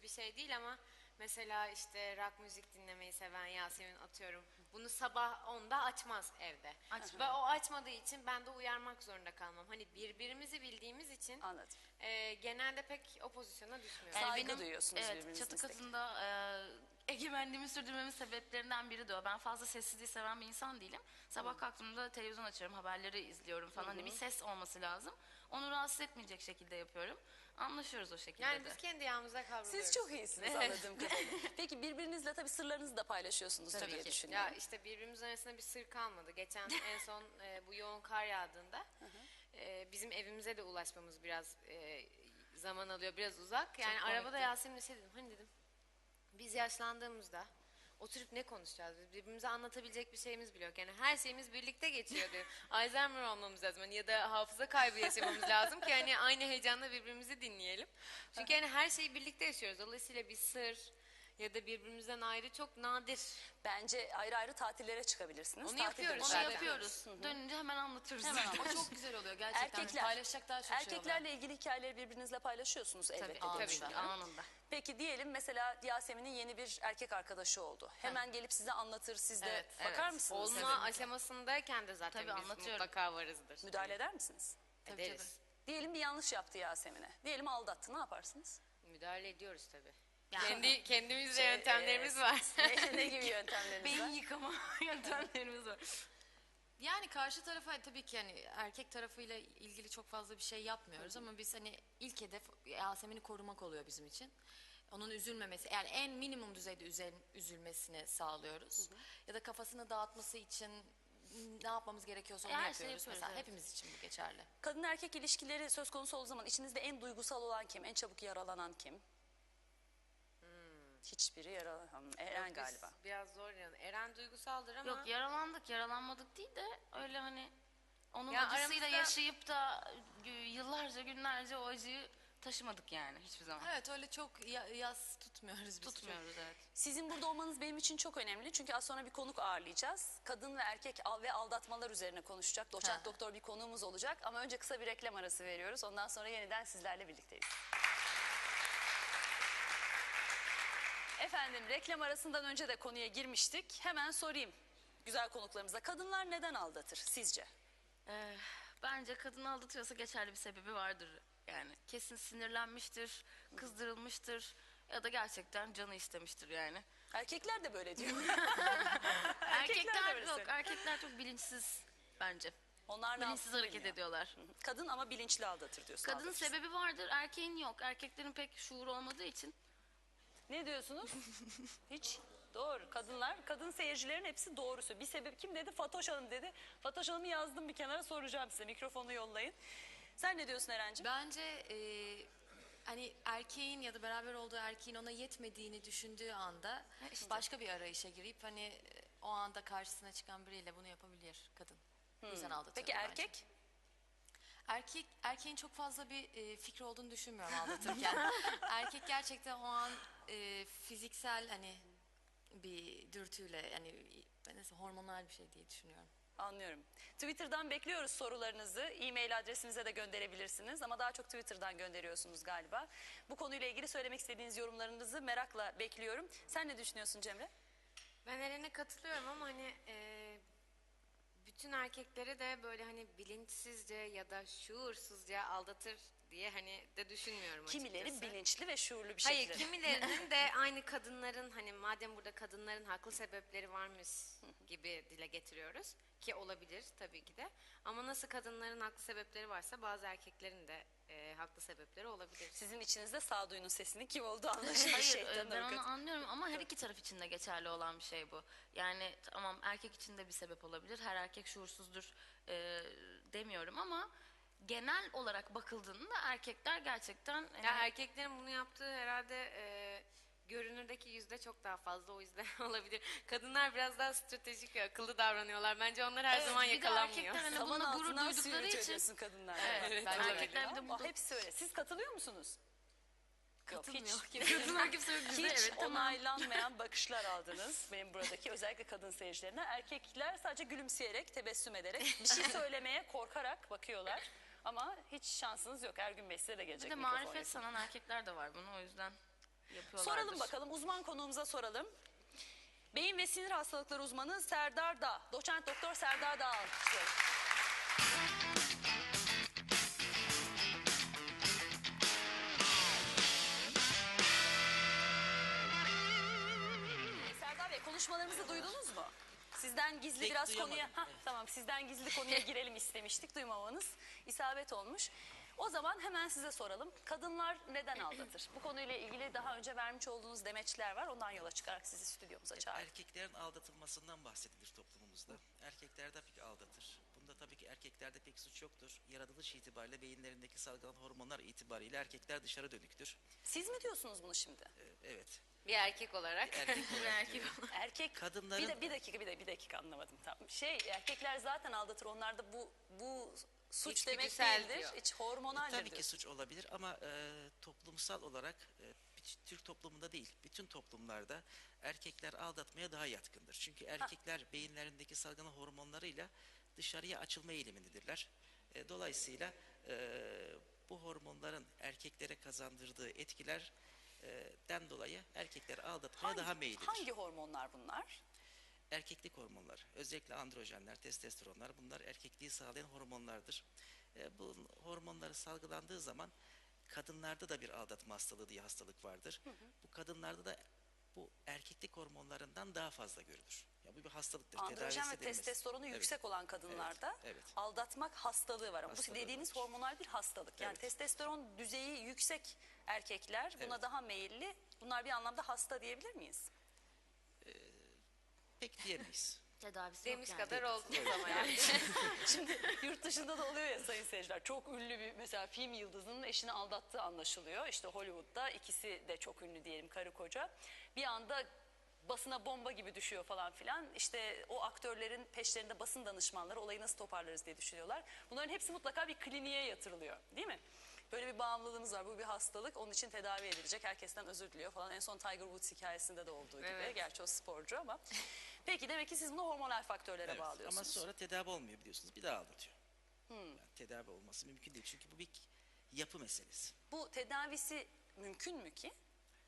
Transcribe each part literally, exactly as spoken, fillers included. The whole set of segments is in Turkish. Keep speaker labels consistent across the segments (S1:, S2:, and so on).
S1: bir şey değil ama mesela işte rock müzik dinlemeyi seven Yasemin atıyorum. Bunu sabah onda açmaz evde.
S2: Açmıyor.
S1: Ve o açmadığı için ben de uyarmak zorunda kalmam. Hani birbirimizi bildiğimiz için
S3: Anladım.
S1: e, genelde pek o pozisyona düşmüyorum.
S3: Yani
S2: Yani
S3: saygı duyuyorsunuz
S2: evet,
S3: birbirinizin
S2: çatı
S3: isteklerine.
S2: katında e, egemenliğimi sürdürmemin sebeplerinden biri de o. Ben fazla sessizliği seven bir insan değilim. Sabah kalktığımda televizyon açıyorum, haberleri izliyorum falan. Hani bir ses olması lazım. Onu rahatsız etmeyecek şekilde yapıyorum. Anlaşıyoruz o şekilde
S1: Yani
S2: de.
S1: biz kendi yağımıza kavruluyoruz.
S3: Siz çok iyisiniz anladığım kadarıyla. Peki birbirinizle tabii sırlarınızı da paylaşıyorsunuz
S2: Tabii
S3: diye
S2: ki.
S3: düşünüyorum.
S1: Ya işte birbirimizin arasında bir sır kalmadı. Geçen en son e, bu yoğun kar yağdığında e, bizim evimize de ulaşmamız biraz e, zaman alıyor, biraz uzak. Yani
S2: Çok
S1: arabada
S2: komikti.
S1: Yasemin'le şey dedim, hani dedim biz yaşlandığımızda oturup ne konuşacağız? Biz birbirimize anlatabilecek bir şeyimiz bile yok. Yani her şeyimiz birlikte geçiyor diyor. Alzheimer olmamız lazım hani ya da hafıza kaybı yaşamamız lazım ki hani aynı heyecanla birbirimizi dinleyelim. Çünkü hani her şeyi birlikte yaşıyoruz. Dolayısıyla bir sır ya da birbirimizden ayrı çok nadir.
S3: Bence ayrı ayrı tatillere çıkabilirsiniz.
S1: Onu
S3: Tatil
S1: yapıyoruz
S2: Onu
S3: dönüşü
S1: zaten.
S2: yapıyoruz. Dönünce hemen anlatıyoruz.
S3: Hemen
S2: zaten.
S4: O çok güzel oluyor gerçekten.
S3: Erkekler,
S4: Paylaşacak daha çok şey oluyor.
S3: erkeklerle ilgili hikayeleri birbirinizle paylaşıyorsunuz elbette.
S2: Tabii,
S3: diye
S1: tabii ki.
S3: düşünüyorum.
S2: anında.
S3: Peki diyelim mesela Yasemin'in yeni bir erkek arkadaşı oldu. Hemen gelip size anlatır, siz de
S1: Evet,
S3: bakar
S2: evet.
S3: mısınız?
S1: Olma aşamasındayken de zaten
S2: Tabii,
S1: biz
S2: anlatıyorum.
S1: mutlaka varızdır.
S3: Müdahale eder misiniz?
S2: Tabii,
S1: Ederiz.
S3: Diyelim bir yanlış yaptı Yasemin'e. Diyelim aldattı, ne yaparsınız?
S1: Müdahale ediyoruz tabii.
S2: Yani-
S1: Kendi kendimizce
S3: Şey,
S1: yöntemlerimiz
S3: e,
S1: var.
S3: ne, ne gibi yöntemleriniz
S2: Beyin
S3: var?
S2: yıkama yöntemlerimiz var.
S4: Yani karşı tarafa tabii ki hani erkek tarafıyla ilgili çok fazla bir şey yapmıyoruz ama biz hani ilk hedef Yasemin'i korumak oluyor bizim için. Onun üzülmemesi yani en minimum düzeyde üzel, üzülmesini sağlıyoruz. Ya da kafasını dağıtması için ne yapmamız gerekiyorsa onu
S2: Her şeyi
S4: yapıyoruz.
S2: yapıyoruz,
S4: Mesela
S2: evet.
S4: hepimiz için bu geçerli.
S3: Kadın erkek ilişkileri söz konusu olduğu zaman içinizde en duygusal olan kim? En çabuk yaralanan kim? Hiçbiri yaralanan. Eren
S1: Biz
S3: galiba.
S1: Biraz zor yani. Eren duygusaldır ama
S2: Yok, yaralandık, yaralanmadık değil de öyle hani onun
S1: Ya
S2: acısıyla
S1: aramızda-
S2: yaşayıp da gü- yıllarca günlerce o acıyı taşımadık yani hiçbir zaman.
S4: Evet öyle çok ya- yas tutmuyoruz biz.
S2: Tutmuyoruz, evet.
S3: Sizin burada olmanız benim için çok önemli. Çünkü az sonra bir konuk ağırlayacağız. Kadın ve erkek al ve aldatmalar üzerine konuşacak. Doçent
S4: Ha.
S3: doktor bir konuğumuz olacak. Ama önce kısa bir reklam arası veriyoruz. Ondan sonra yeniden sizlerle birlikteyiz. Efendim reklam arasından önce de konuya girmiştik. Hemen sorayım güzel konuklarımıza. Kadınlar neden aldatır sizce?
S2: Ee, bence kadını aldatıyorsa geçerli bir sebebi vardır. Yani kesin sinirlenmiştir, kızdırılmıştır ya da gerçekten canı istemiştir yani.
S3: Erkekler de böyle diyor.
S2: Erkekler,
S3: böyle
S2: yok,
S3: söylüyor.
S2: erkekler çok bilinçsiz bence.
S3: Onlar ne
S2: Bilinçsiz
S3: yapsın
S2: hareket
S3: bilmiyor.
S2: ediyorlar.
S3: Kadın ama bilinçli aldatır diyorsun.
S2: Kadının
S3: aldatır.
S2: sebebi vardır, erkeğin yok. Erkeklerin pek şuuru olmadığı için.
S3: Ne diyorsunuz? Hiç. Doğru. Kadınlar, kadın seyircilerin hepsi doğrusu. Bir sebep kim dedi? Fatoş Hanım dedi. Fatoş Hanım'ı yazdım bir kenara, soracağım size. Mikrofonu yollayın. Sen ne diyorsun Eren'ciğim?
S4: Bence e, hani erkeğin ya da beraber olduğu erkeğin ona yetmediğini düşündüğü anda
S2: işte.
S4: başka bir arayışa girip hani e, o anda karşısına çıkan biriyle bunu yapabilir kadın. Bu yüzden aldatıyor
S3: Peki
S4: bence.
S3: erkek?
S4: Erkek erkeğin çok fazla bir e, fikri olduğunu düşünmüyorum aldatırken. Erkek gerçekten o an e, fiziksel hani bir dürtüyle yani nasıl hormonal bir şey diye düşünüyorum.
S3: Anlıyorum. Twitter'dan bekliyoruz sorularınızı. E-mail adresimize de gönderebilirsiniz. Ama daha çok Twitter'dan gönderiyorsunuz galiba. Bu konuyla ilgili söylemek istediğiniz yorumlarınızı merakla bekliyorum. Sen ne düşünüyorsun Cemre?
S1: ben Eren'e katılıyorum ama hani e, bütün erkekleri de böyle hani bilinçsizce ya da şuursuzca aldatır diye hani de düşünmüyorum
S3: Kimileri
S1: açıkçası.
S3: bilinçli ve şuurlu bir
S1: Hayır,
S3: şekilde.
S1: kimilerinin de aynı kadınların hani madem burada kadınların haklı sebepleri varmış gibi dile getiriyoruz ki olabilir tabii ki de. Ama nasıl kadınların haklı sebepleri varsa bazı erkeklerin de e, haklı sebepleri olabilir.
S3: Sizin içinizde sağduyunun sesinin kim olduğu anlaşılır.
S2: Hayır,
S3: Şeytan
S2: e, ben
S3: avukat.
S2: onu anlıyorum ama her iki taraf için de geçerli olan bir şey bu. Yani tamam, erkek için de bir sebep olabilir. Her erkek şuursuzdur e, demiyorum ama genel olarak bakıldığında erkekler gerçekten e,
S1: Ya erkeklerin bunu yaptığı herhalde e, görünürdeki yüzde çok daha fazla, o yüzden olabilir. Kadınlar biraz daha stratejik ve akıllı davranıyorlar. Bence onlar her
S2: Evet,
S1: zaman
S2: bir de
S1: yakalanmıyor.
S2: erkekler hani
S3: Saman
S2: bununla gurur
S3: altından
S2: duydukları
S3: sıyırtıyor
S2: için.
S3: diyorsun kadınlar.
S2: Evet,
S4: bence de.
S2: erkekler bir de
S3: Ama
S2: bu
S3: hepsi öyle. Siz katılıyor musunuz? Yok, hiç.
S4: Katılmıyor.
S2: kadınlar kimse yok bizde,
S3: Hiç
S2: evet tamam.
S3: onaylanmayan bakışlar aldınız benim buradaki özellikle kadın seyircilerine. Erkekler sadece gülümseyerek, tebessüm ederek, bir şey söylemeye korkarak bakıyorlar. Ama hiç şansınız yok. Ergün Bey size de
S2: Bir
S3: gelecek
S2: de
S3: mikrofon.
S2: marifet sanan erkekler de var bunu, o yüzden. yapıyorlardır.
S3: Soralım bakalım, uzman konuğumuza soralım. Beyin ve sinir hastalıkları uzmanı Serdar Dağ. Doçent Doktor Serdar Dağ alkışlıyoruz. Serdar Bey, konuşmalarımızı duydunuz mu? Sizden gizli
S5: Pek
S3: biraz
S5: duyamadım,
S3: konuya... Hah,
S5: evet.
S3: tamam, sizden gizli konuya girelim istemiştik. Duymamanız isabet olmuş. O zaman hemen size soralım. Kadınlar neden aldatır? Bu konuyla ilgili daha önce vermiş olduğunuz demeçler var. Ondan yola çıkarak sizi stüdyomuza çağırdık.
S5: Erkeklerin aldatılmasından bahsedilir toplumumuzda. Erkekler tabii ki aldatır. Bunda tabii ki erkeklerde pek suç yoktur. Yaratılış itibariyle beyinlerindeki salgılanan hormonlar itibariyle erkekler dışarı dönüktür.
S3: Siz mi diyorsunuz bunu şimdi?
S5: Ee, evet.
S1: Bir erkek olarak.
S5: Erkek
S2: Bir erkek
S3: Erkek
S5: Kadınların-
S3: bir, de, bir dakika bir, de, bir dakika anlamadım tam. Şey, erkekler zaten aldatır. Onlarda bu bu suç demek
S1: İçgüdüsel
S3: değildir.
S1: diyor.
S3: İç hormonaldir.
S5: tabii ki suç olabilir ama e, toplumsal olarak e, bir- Türk toplumunda değil, bütün toplumlarda erkekler aldatmaya daha yatkındır. Çünkü erkekler beyinlerindeki salgılanan hormonlarıyla dışarıya açılma eğilimindedirler. E, dolayısıyla e, bu hormonların erkeklere kazandırdığı etkilerden dolayı erkekler aldatmaya
S3: Hangi,
S5: daha meyillidir.
S3: hangi hormonlar bunlar?
S5: Erkeklik hormonlar, özellikle androjenler, testosteronlar, bunlar erkekliği sağlayan hormonlardır. E, bu hormonları salgılandığı zaman kadınlarda da bir aldatma hastalığı diye hastalık vardır. Bu kadınlarda da bu erkeklik hormonlarından daha fazla görülür. Ya bu bir hastalıktır.
S3: Androjen
S5: tedavisi
S3: ve
S5: edilmez.
S3: testosteronu
S5: Evet.
S3: yüksek olan kadınlarda
S5: Evet, evet.
S3: aldatmak hastalığı var. Ama bu
S5: Hastalığı
S3: dediğiniz
S5: var.
S3: hormonal bir hastalık. Yani
S5: Evet.
S3: testosteron düzeyi yüksek erkekler buna
S5: Evet.
S3: daha meyilli. Bunlar bir anlamda hasta diyebilir miyiz?
S5: Pek diyemeyiz.
S2: tedavisi yok
S1: Demiş
S2: yani.
S1: kadar oldunuz ama yani.
S3: Şimdi yurt dışında da oluyor ya sayın seyirciler. Çok ünlü bir mesela film yıldızının eşini aldattığı anlaşılıyor. İşte Hollywood'da ikisi de çok ünlü diyelim, karı koca. Bir anda basına bomba gibi düşüyor falan filan. İşte o aktörlerin peşlerinde basın danışmanları olayı nasıl toparlarız diye düşünüyorlar. Bunların hepsi mutlaka bir kliniğe yatırılıyor, değil mi? Böyle bir bağımlılığımız var. Bu bir hastalık. Onun için tedavi edilecek. Herkesten özür diliyor falan. En son Tiger Woods hikayesinde de olduğu gibi.
S1: Evet.
S3: Gerçi o sporcu ama. Peki demek ki siz bunu hormonal faktörlere
S5: Evet.
S3: bağlıyorsunuz.
S5: Ama sonra tedavi olmuyor biliyorsunuz. Bir daha aldatıyor. Yani tedavi olması mümkün değil. Çünkü bu bir yapı meselesi.
S3: Bu tedavisi mümkün mü ki?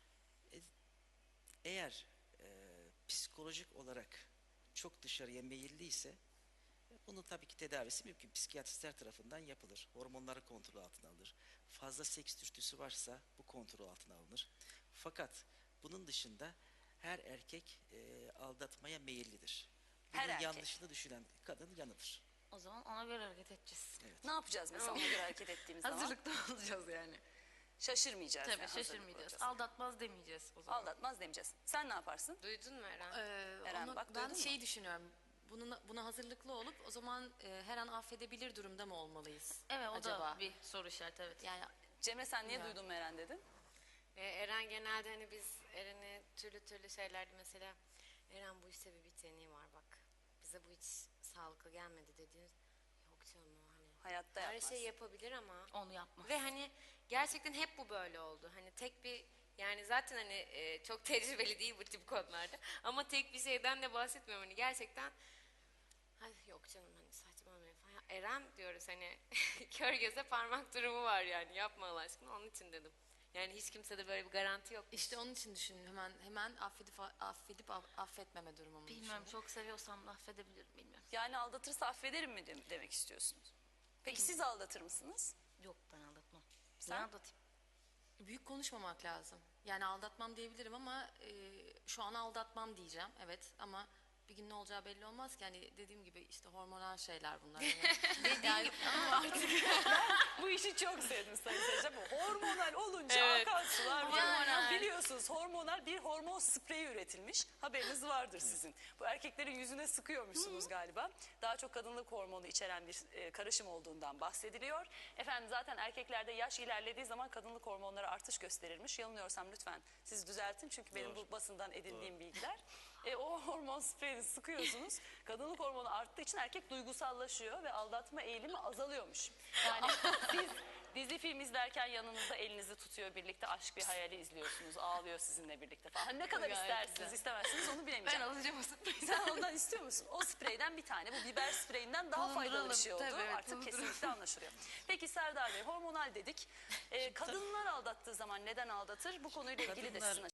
S5: Eğer e, psikolojik olarak çok dışarıya meyilliyse bunun tabii ki tedavisi mümkün. Psikiyatristler tarafından yapılır. Hormonları kontrol altına alınır. Fazla seks dürtüsü varsa bu kontrol altına alınır. Fakat bunun dışında her erkek e, aldatmaya meyillidir. Bunun
S3: Her erkek.
S5: yanlışını düşünen kadın yanılır.
S2: O zaman ona göre hareket edeceğiz.
S3: Ne yapacağız mesela ona göre hareket ettiğimiz zaman?
S2: Hazırlıklı olacağız yani.
S3: Şaşırmayacağız.
S2: Tabii
S3: yani,
S2: şaşırmayacağız.
S3: hazırlıklı olacağız.
S2: Aldatmaz demeyeceğiz o zaman.
S3: Aldatmaz demeyeceğiz. Sen ne yaparsın?
S1: Duydun mu Eren?
S4: Ee,
S3: Eren,
S4: onu-
S3: bak,
S4: ben
S3: duydun mu?
S4: şeyi düşünüyorum. Bunun, buna hazırlıklı olup o zaman e, her an affedebilir durumda mı olmalıyız?
S2: Evet o
S4: acaba?
S2: da bir soru işareti evet.
S4: Yani
S3: Cemre sen niye
S4: Bilmiyorum.
S3: duydun Meren dedin?
S1: Ee, Eren genelde hani biz Eren'e türlü türlü şeylerdi mesela. Eren bu işte bir biteni var bak. Bize bu hiç sağlıklı gelmedi dediğiniz. Yok canım o hani.
S3: Hayatta
S1: Her
S3: yapmaz.
S1: şey yapabilir ama.
S2: Onu yapma.
S1: Ve hani gerçekten hep bu böyle oldu. Hani tek bir yani zaten hani e, çok tecrübeli değil bu tip konularda. Ama tek bir şeyden de bahsetmiyorum. Hani gerçekten Ay, yok canım hani saçmalamayın falan. Ya Eren diyoruz hani kör göze parmak durumu var yani yapma Allah aşkına onun için dedim. Yani hiç kimsede böyle bir garanti yok.
S4: işte onun için düşündüm. Hemen hemen affedip affedip aff- affetmeme durumumu
S2: Bilmiyorum
S4: düşündüm.
S2: çok seviyorsam da affedebilirim bilmiyorum.
S3: Yani aldatırsa affederim mi de- demek istiyorsunuz? Peki siz aldatır mısınız?
S2: Yok ben aldatmam.
S3: Sen?
S2: Ne aldatayım?
S4: Büyük konuşmamak lazım. Yani aldatmam diyebilirim ama e, şu an aldatmam diyeceğim. Evet ama bir gün ne olacağı belli olmaz ki. Yani dediğim gibi işte hormonal şeyler bunlar. Yani, yani ama artık
S3: Bu işi çok sevdim sayın seyirciler. Bu hormonal olunca
S1: Evet.
S3: akan sular var.
S2: Hormonal.
S3: Biliyorsunuz hormonal bir hormon spreyi üretilmiş. Haberiniz vardır sizin. Bu erkeklerin yüzüne sıkıyormuşsunuz galiba. Daha çok kadınlık hormonu içeren bir e, karışım olduğundan bahsediliyor. Efendim zaten erkeklerde yaş ilerlediği zaman kadınlık hormonları artış gösterirmiş. Yanılıyorsam lütfen siz düzeltin. Çünkü benim
S5: Doğru.
S3: bu basından edindiğim bilgiler. E, o hormon spreyini sıkıyorsunuz. Kadınlık hormonu arttığı için erkek duygusallaşıyor ve aldatma eğilimi azalıyormuş. Yani siz Dizi film izlerken yanınızda elinizi tutuyor, birlikte aşk bir hayali izliyorsunuz, ağlıyor sizinle birlikte falan. Hani ne kadar
S4: Gayet
S3: istersiniz,
S4: güzel.
S3: istemezsiniz onu
S2: Ben
S3: bilemeyeceğim.
S2: alacağım o spreyi.
S3: Sen ondan istiyor musun? O spreyden bir tane, bu biber spreyinden daha faydalı bir
S2: Bulunduralım.
S3: şey oldu.
S2: Tabii, evet,
S3: Artık
S2: bulunduralım.
S3: kesinlikle anlaşılıyor. Peki Serdar Bey, hormonal dedik. Ee, kadınlar aldattığı zaman neden aldatır? Bu konuyla ilgili de
S5: Kadınlar-
S3: sizin